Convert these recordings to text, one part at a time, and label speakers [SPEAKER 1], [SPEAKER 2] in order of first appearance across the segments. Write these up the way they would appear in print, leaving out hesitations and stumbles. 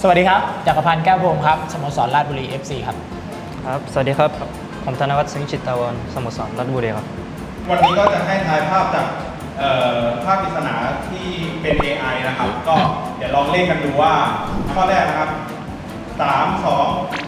[SPEAKER 1] สวัสดีครับจักรพันธ์แก้วพรหมครับสโมสรราชบุรี FC ครับ
[SPEAKER 2] ครับสวัสดีครับผมธนวัฒน์ สิงห์จิตตาวรสโมสรราชบุรีครับ
[SPEAKER 3] วันนี้ก็จะให้ทายภาพจากภาพปริศนาที่เป็น AI นะครับก็เดี๋ยวลองเล่นกันดูว่าข้อแรกนะครับ3 2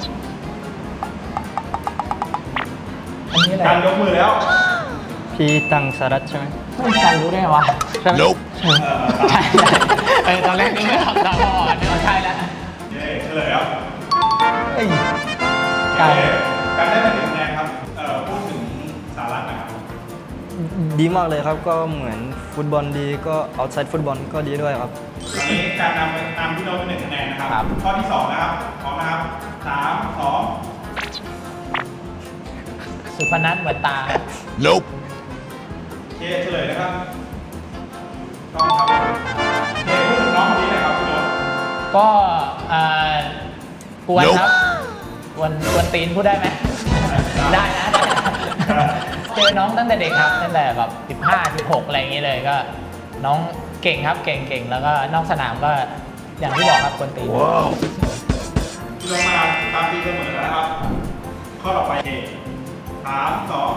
[SPEAKER 1] อันนี้อะไร
[SPEAKER 3] การยกมือแล้ว
[SPEAKER 2] พี่ตังสารัตใช่ไหม
[SPEAKER 1] ไม่การรู้ได้ไงวะ
[SPEAKER 2] ใช่ไหม
[SPEAKER 1] ใช่ตอนแรกนึกไม่ออกตาบอดนึกว่าใช่แล้ว
[SPEAKER 3] เย้เฉลยครับ
[SPEAKER 1] เอ้ย
[SPEAKER 3] การได้มา1 คะแนนครับพูดถึงสาระนะครับ
[SPEAKER 2] ดีมากเลยครับก็เหมือนฟุตบอลดีก็เอาท์ไซด์ฟุตบอลก็ดีด้วยครับ
[SPEAKER 3] วันนี้การนำพี่โน้ตเป็น1 คะแนนนะครับข้อที่2นะครับพร้อมนะครับ3 2
[SPEAKER 1] สุพนัทเหมือนตา
[SPEAKER 4] Nope
[SPEAKER 3] เคเฉลยนะครับต้องครับเคพูดถึงน้องคนนี้หน่อยครับพี่โน้ต
[SPEAKER 1] ก็กวนครับกวนตีนพูดได้ไหมได้นะเจอน้องตั้งแต่เด็กครับตั้งแต่แบบ15 16อะไรอย่างเงี้ยเลยก็น้องเก่งครับเก่งแล้วก็นอกสนามก็อย่างที่บอกครับกวนตีน
[SPEAKER 3] ลงมาตามตีเสมอแล้วนะครับข้อต่อไปเค3 2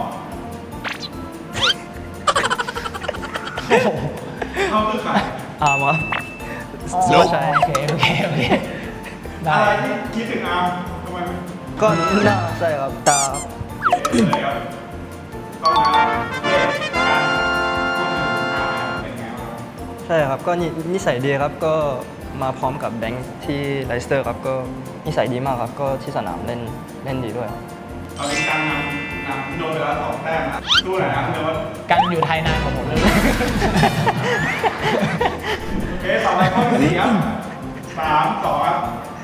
[SPEAKER 3] เข้าคือใคร
[SPEAKER 2] อาร์มครับ
[SPEAKER 1] ใช่โอเค
[SPEAKER 3] อะไรที่คิดถึงอาร์มทำไม
[SPEAKER 2] ก็น่าใช่ครับตา
[SPEAKER 3] เลยครับต้องมาการพูดถึงอาร์มเป็นไงบ้าง
[SPEAKER 2] ใช่ครับก็นิสัยดีครับก็มาพร้อมกับแบงค์ที่ไลสเตอร์ครับก็นิสัยดีมากครับก็ที่สนามเล่นดีด้วย
[SPEAKER 3] ตอนนี้การนำพี่โน้ตไปแล้ว2 แต้มนะดูหน่อยนะพี่โน้ต
[SPEAKER 1] กันอยู่ไทยนานกว่าผมเลย
[SPEAKER 3] โอเคต่อไปข้อที่4ครับ3 2ครับ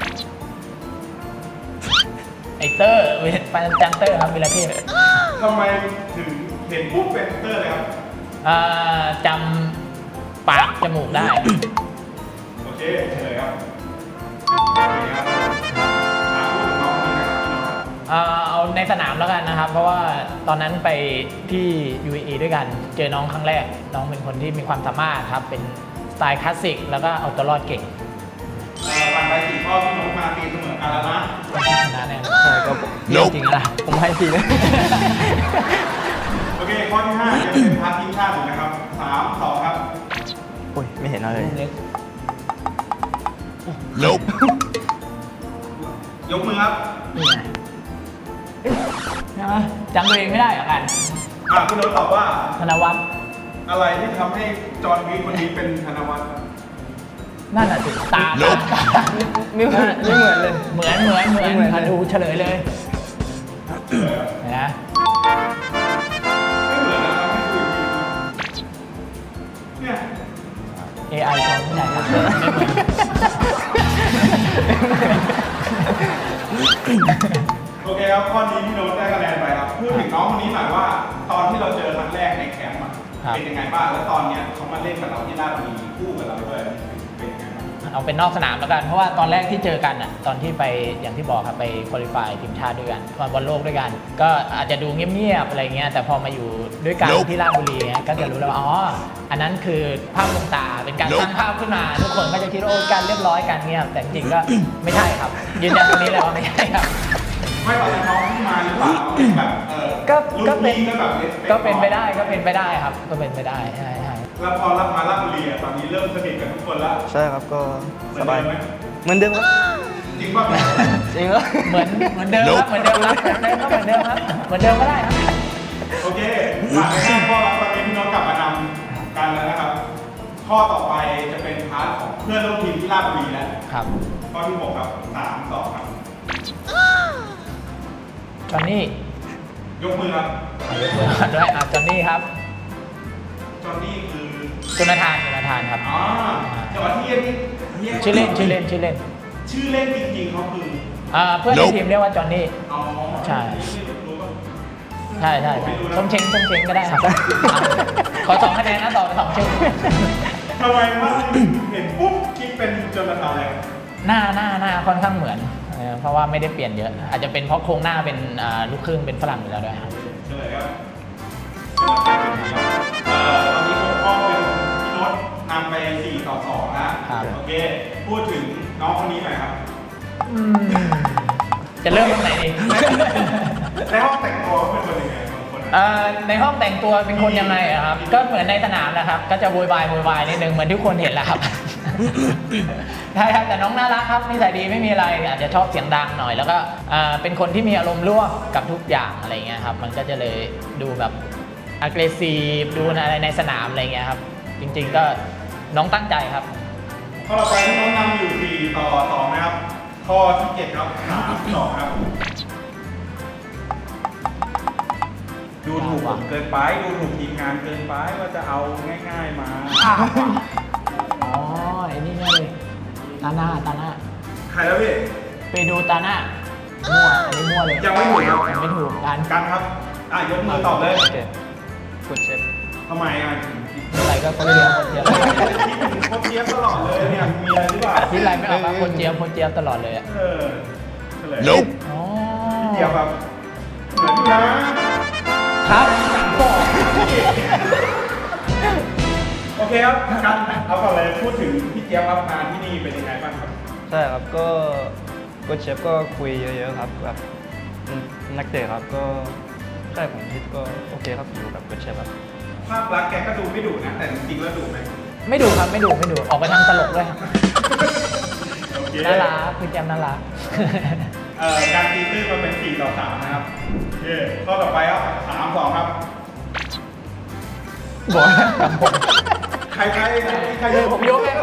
[SPEAKER 1] ไอเตอร์ปันจันเตอร์ครับวิลาเทพ
[SPEAKER 3] ทำไมถึงเห็นปุ๊บเป็นเตอร์เลยครับ
[SPEAKER 1] จำปากจมูกได้
[SPEAKER 3] โอเคเฉลยครับโอเคครับพูดถึงน้องคนนี้นะครับพี่โน้ต
[SPEAKER 1] เอาในสนามแล้วกันนะครับเพราะว่าตอนนั้นไปที่ UAE ด้วยกันเจอน้องครั้งแรกน้องเป็นคนที่มีความสามารถครับเป็นสไตล์คลาสสิกแล้วก็เอาตัวรอดเก่ง
[SPEAKER 3] ผ่านไป4 ข้อพี่โน้ตมาตีเสมอกันแล้วนะ
[SPEAKER 1] ชนะแน่
[SPEAKER 2] ใช่ก็จริงนะผมให้ทีเลย
[SPEAKER 3] โอเคข้อที่5จะเป็นพาร์ททีมชาตินะครับ3 2ครับ
[SPEAKER 2] โอ้ยไม่เห็นอะไรเลย
[SPEAKER 4] Nope
[SPEAKER 3] ยกมือครับ
[SPEAKER 1] นี่ไงใช่ไหมจำตัวเองไม่ได้เหรอกัน
[SPEAKER 3] พี่โน้ตตอบว่า
[SPEAKER 1] ธนวัฒน์
[SPEAKER 3] อะไรที่ทำให้จอห์นวีคนนี้เป็นธนวัฒน์
[SPEAKER 1] นั่นแหละสิตา
[SPEAKER 2] ไม่เหมือนเลย
[SPEAKER 1] เหมือนดูเฉลยเลยนะ
[SPEAKER 3] ไม่เหมือนนะครับไม่คือเนี่ย
[SPEAKER 1] AI คนที่ไหนครับไม่เหมือน
[SPEAKER 3] โอเคครับข้อนี้พี่โน้ตได้คะแนนไปครับพูดถึงน้องคนนี้หน่อยว่าตอนที่เราเจอครั้งแรกในแคมป์เป็นยังไงบ้างแล้วตอนเนี้ยเขามาเล่นกับเราที่ราชบุรีคู่กับเราด้วยเป็นยังไงบ้าง
[SPEAKER 1] เอาเป็นนอกสนามแล้วกันเพราะว่าตอนแรกที่เจอกันอ่ะตอนที่ไปอย่างที่บอกครับไปคุริฟายทีมชาติด้วยกันมาบอลโลกด้วยกันก็อาจจะดูเงียบๆอะไรเงี้ยแต่พอมาอยู่ด้วยกันที่ราชบุรีก็จะรู้แล้วว่าอ๋ออันนั้นคือภาพลวงตาเป็นการสร้างภาพขึ้นมาทุกคนก็จะคิดว่าโอ้การเรียบร้อยกันเงียบแต่จริงๆก็ไม่ใช่ครับยืนยันตรงนี้เลยว่าไม่ใช่ครับ
[SPEAKER 3] ไม่ตอนน้องที่มาหรือเปล่าแบบ
[SPEAKER 1] ก็เป็นไปได้ครับก็เป็นไปได้ใช่
[SPEAKER 3] แล้วพอรับมาราชบุรีตอนนี้เริ่มสนิทกับทุกคนแล้ว
[SPEAKER 2] ใช่ครับก็สบายเหมือนเดิมครับ
[SPEAKER 3] จริงป่ะ
[SPEAKER 2] จริงเหรอ
[SPEAKER 1] เหมือนเดิมครับเหมือนเดิมก็ได้ครับ
[SPEAKER 3] โอเคผ่านไป5 ข้อแล้วตอนนี้พี่น้องกลับมานำกันแล้วนะครับข้อต่อไปจะเป็นพาร์ทของเพื่อนร่วมทีมที่ราชบุรีแล้ว
[SPEAKER 1] ครับ
[SPEAKER 3] ข้อที่6ครับ3 2ครับ
[SPEAKER 1] จอห์นนี่
[SPEAKER 3] ยกมือครับ
[SPEAKER 1] ยกมือด้วยจอห์นนี่ครับ
[SPEAKER 3] จอห์นนี่คือ
[SPEAKER 1] จุนทานครับ
[SPEAKER 3] จังหวัดที่เรียก
[SPEAKER 1] ชื่อเล่น
[SPEAKER 3] จริงๆเขาคือ
[SPEAKER 1] เพื่อนในทีมเรียกว่าจอห์นนี่ใช่ส้มเช้งก็ได้ครับขอ2 คะแนนนะต่อไป2 ชื่อ
[SPEAKER 3] ทำไมว่าเห็นปุ๊บคิดเป็นจนทานเลย
[SPEAKER 1] หน้าค่อนข้างเหมือนเพราะว่าไม่ได้เปลี่ยนเยอะอาจจะเป็นเพราะโครงหน้าเป็นลูกครึ่งเป็นฝรั่งอยู่แล้วด้วยครับ
[SPEAKER 3] เฉลยครับตอนนี้6 ข้อเป็นพี่โน้ตนำไป4-2นะโอเคพูดถึงน้องคนนี้หน่อยครับ
[SPEAKER 1] จะเริ่มตรงไหนดี
[SPEAKER 3] ในห้องแต่งตัวเขาเป็นคนยังไงบางคน
[SPEAKER 1] ในห้องแต่งตัวเป็นคนยังไงอะครับ ก็เหมือนในสนามนะครับ ก็จะโวยวายนิดนึงเหมือนทุกคนเห็นแหละครับ ใช่ครับแต่น้องน่ารักครับนิสัยดีไม่มีอะไรอาจจะชอบเสียงดังหน่อย แล้วก็เป็นคนที่มีอารมณ์ร่วมกับทุกอย่างอะไรเงี้ยครับมันก็จะเลยดูแบบ aggressive ดูอะไรในสนามอะไรเงี้ยครับจริงๆก็น้องตั้งใจครับ
[SPEAKER 3] ข้อต่อไปที่น้องนำอยู่4 ต่อ 2นะครับข้อที่7ครับ3 2ครับดูถูกผมเกินไปดูถูกทีมงานเกินไปว่าจะเอาง่ายๆมา
[SPEAKER 1] อ๋อไอ้นี่ไงเลยตาหน้า
[SPEAKER 3] ใครแล้วพี่
[SPEAKER 1] ไปดูตาหน้ามั่วอันนี้มั่วเลย
[SPEAKER 3] ยังไม่ถูกครับ
[SPEAKER 1] ยังไม่ถูกกัน
[SPEAKER 3] กันครับยกมือตอบเลย
[SPEAKER 2] โอเคกดเชฟ
[SPEAKER 3] ทำไมถึงคิด
[SPEAKER 1] อะไรก็คนเดียวคนเดียว
[SPEAKER 3] ถึงโคตรเทียบตลอดเลยเนี่ยมีอะไรหรือเปล่า
[SPEAKER 1] ที่ไรไม่ออกมาคนเจี๊ยบตลอดเลยอะ
[SPEAKER 3] เฉลย
[SPEAKER 1] อ๋อ
[SPEAKER 3] พี่เจี๊ยบครับเหมือนอยู่นะครับ โอเคครับกันเอาก่อนเลยพูดถึงพี่เจี๊ยบครับมาที่นี่เป็นยังไงบ้างครับ
[SPEAKER 2] ใช่ครับก็เชฟก็คุยเยอะๆครับแบบนักเตะครับก็ใช่ผมคิดก็โอเคครับอยู่กับเชฟครับ
[SPEAKER 3] ภาพลักษณ์แกก็ดูไม่ดุนะแต่จริงๆแล้วดุไหม
[SPEAKER 1] ไม่ดูครับไม่ดูออกไปทางตลกด้วยครับ
[SPEAKER 3] โอเค
[SPEAKER 1] น่ารักคุณแจมน่ารัก
[SPEAKER 3] การตีตื้นมาเป็น4 ต่อ 3นะครับโอเคข้อต่อไปครับ3 2ครับ
[SPEAKER 1] บอกกับผม
[SPEAKER 3] ใคร
[SPEAKER 1] ผมยกไง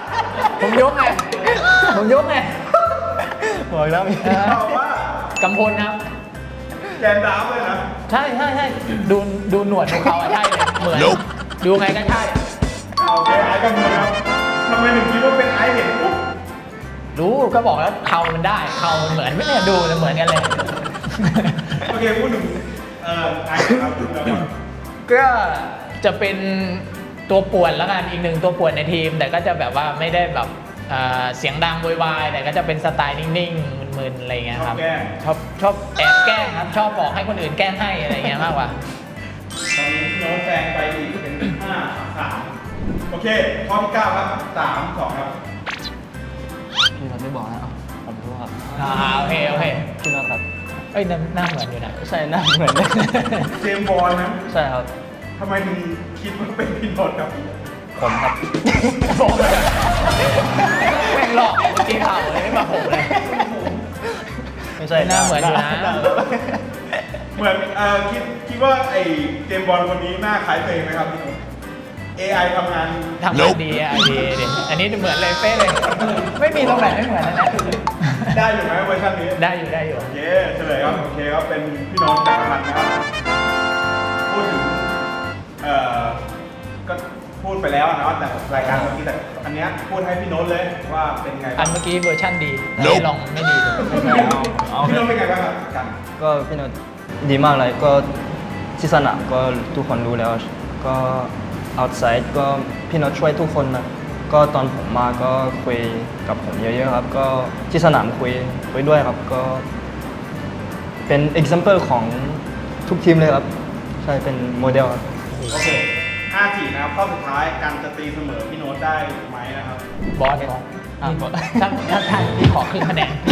[SPEAKER 2] บอกแล้วมี
[SPEAKER 3] ตอบว่าก
[SPEAKER 1] ำพลครับ
[SPEAKER 3] แกนดาวเลยนะ
[SPEAKER 1] ใช่ดูหนวดของเขาอะใช่เลยเหมือนดูไงก็ใช่
[SPEAKER 3] โอเคไอ้กันเลยครับทำไมถึงคิดว่าเป็นไอ้เห็นปุ๊บ
[SPEAKER 1] รู้ก็บอกแล้วเขามันได้เขามันเหมือนไม่เนี่ยดูเหมือนกันเลย
[SPEAKER 3] โอเคพูดถึงไอ้ครับแล้วก็
[SPEAKER 1] ก็จะเป็นตัวป่วนแล้วกันอีกหนึ่งตัวป่วนในทีม แต่ก็จะแบบว่าไม่ได้แบบเสียงดังโวยวายแต่ก็จะเป็นสไตล์นิ่งๆมึนๆอะไรเงี้ยครับชอบแอบแกล้งครับชอบบอกให้คนอื่นแกล้งให้อะไรเงี้ยมากกว่า
[SPEAKER 3] ตอนนี้โน้ตแซงไปอีกเป็น5 3โอเคข้อที่9ครับ3 2ครับ
[SPEAKER 2] พี่น็อตไม่บอกนะผมรู้ครับ
[SPEAKER 1] โอเค
[SPEAKER 2] พี่น็อตครับ
[SPEAKER 1] เอ้ยหน้าเหมือนอยู่นะ
[SPEAKER 2] ใช่หน้าเหมือนเลย
[SPEAKER 3] เจมส์บอลนะ
[SPEAKER 2] ใช่ครับ
[SPEAKER 3] ทำไมถึงคิดว่าเป็นพี่โนดครับ
[SPEAKER 2] ผมครับ
[SPEAKER 1] บอกเลยแม่งหลอกเมื่อกี้ข่าวเลยไม่มาผมเลย
[SPEAKER 2] ไม่ใช่
[SPEAKER 1] หน้าเหมือนอยู่นะ
[SPEAKER 3] เหมือนคิดว่าไอ้เจมส์บอลคนนี้หน้าคล้ายตัวเองไหมครับพี่โนด AI ทำงาน
[SPEAKER 1] ทำงานดีดิอันนี้เหมือนเลยเป๊ะเลย ไม่มีตรงไหนไม่เหมือนนะ
[SPEAKER 3] ได้อยู่ไหมเวอร์ชันนี้
[SPEAKER 1] ได้อยู่
[SPEAKER 3] โอเคเฉลยครับโอเคครับเป็นพี่โน้ตจักรพันธ์นะครับพูดถึงก็พูดไปแล้วนะแต่รายการเมื่อกี้แต่อันเนี้ยพูดให้พี่โน้ตเลยว่าเป็นไง
[SPEAKER 1] อั
[SPEAKER 3] บ้าน ง
[SPEAKER 1] เมื่อกี้เวอร์ชั่นดีแต่ที่ลองไม่ดีเลย
[SPEAKER 3] พี่โน้ตเป็นไงบ้างครับกัน
[SPEAKER 2] ก็พี่น็อตดีมากเลยก็ที่สนามก็ทุกคนรู้แล้วก็ outside ก็พี่น็อตช่วยทุกคนนะก็ตอนผมมาก็คุยกับผมเยอะๆครับ ก็ที่สนามคุยด้วยครับก็เป็น example ของทุกทีมเลยครับ ใช่เป็นโมเดลครับ
[SPEAKER 3] โอเค5-4นะครับข้อสุดท้ายการจะตีเสมอพี่โน้ตได้ไหมนะครับ
[SPEAKER 1] บอสถ้าพี่ขอครึ่งคะแนนพี่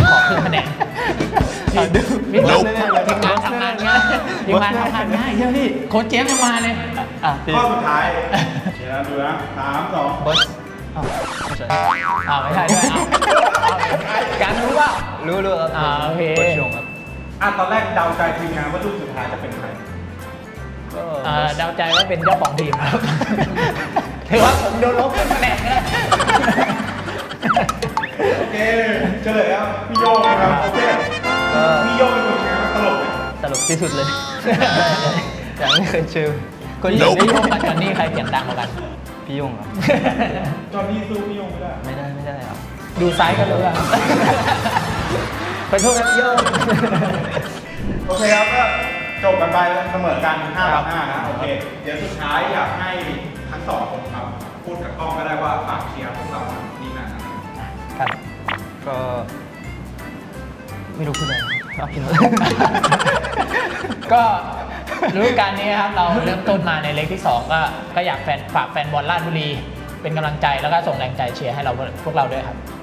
[SPEAKER 1] ทีมงานทำงานง่ายใช่พี่โค้ชเจมส์ยังมาเลย
[SPEAKER 3] ข้อสุดท้ายเดี๋ยวเราดูนะ3 2
[SPEAKER 2] บอสไม่ใช่
[SPEAKER 1] ไม่ใช่ด้วยการรู้ว่า
[SPEAKER 2] รู้ครับ
[SPEAKER 1] โอเค
[SPEAKER 2] โค้ชชงครับ
[SPEAKER 3] ตอนแรกเดาใจทีมงานว่าลูกสุดท้ายจะเป็นใคร
[SPEAKER 2] ก็
[SPEAKER 1] เดาใจว่าเป็นเจ้าของทีมครับถือว่าผมโดนลบคะแนนนะ
[SPEAKER 3] โอเคเฉลยครับพี่โยงครับโอเค
[SPEAKER 2] ก็
[SPEAKER 3] พี่โยงเป็นคนยังไงตลกไหม
[SPEAKER 2] ตลกที่สุดเลย อย่างไม่เคยเจอก็
[SPEAKER 1] พี่
[SPEAKER 2] ยิ
[SPEAKER 1] โย
[SPEAKER 2] ง
[SPEAKER 1] งกับจอนนี่ใครเสียงดังกว่ากัน
[SPEAKER 2] พี่ยงครับ
[SPEAKER 3] จอห์นนี่สู้พี่โยงไม่ได้
[SPEAKER 2] ไม่ได้ครับ
[SPEAKER 1] ดูซ้ายก็รู้อะขอโทษนะพี่โยง
[SPEAKER 3] โอเคครับก็จบกันไปเสมอกัน5 ต่อ 5นะโอเคเดี๋ยวสุดท้ายอยากให้ทั้งสองคนครับพูดกับกล้องก็ได้ว่าฝากเชียร์พวกเราดีหนักนะครับ
[SPEAKER 2] ก็ไม่รู้พูดอะไรครับพี่น็อต
[SPEAKER 1] ก็ฤดูกาลนี้ครับเราเริ่มต้นมาในเล็กที่ 2 ก็อยากฝากแฟนบอลราชบุรีเป็นกำลังใจแล้วก็ส่งแรงใจเชียร์ให้เราพวกเราด้วยครับ